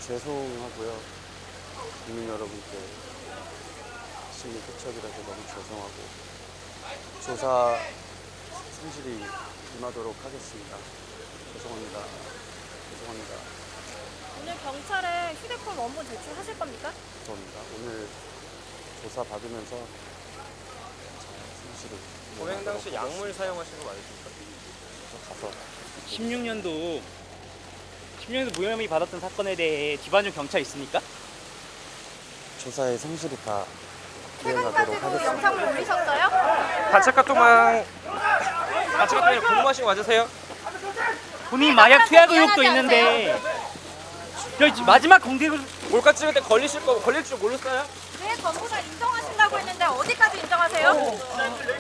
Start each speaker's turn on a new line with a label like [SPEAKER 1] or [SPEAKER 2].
[SPEAKER 1] 죄송하고요. 국민 여러분께 시민 투척이라서 너무 죄송하고 조사 성실히 임하도록 하겠습니다. 죄송합니다. 죄송합니다.
[SPEAKER 2] 오늘 경찰에 휴대폰 원본 제출하실 겁니까?
[SPEAKER 1] 죄송합니다. 오늘 조사 받으면서 성실히
[SPEAKER 3] 범행 당시 약물 사용하신 거 맞으십니까?
[SPEAKER 1] 가서
[SPEAKER 4] 16년도 무혐의 받았던 사건에 대해 기반적 경찰 있습니까?
[SPEAKER 1] 조사에 성실히 다 이행하도록
[SPEAKER 2] 최근까지도
[SPEAKER 1] 하겠습니다.
[SPEAKER 2] 영상을 올리셨어요?
[SPEAKER 3] 단체 카톡방에 궁금하신 거 맞으세요?
[SPEAKER 4] 본인 마약 투약 의혹도 있는데 저 마지막 공개를
[SPEAKER 3] 몰카 찍을 때 걸릴 줄 몰랐어요?
[SPEAKER 2] 왜 전부 다 인정하신다고 했는데 어디까지 인정하세요?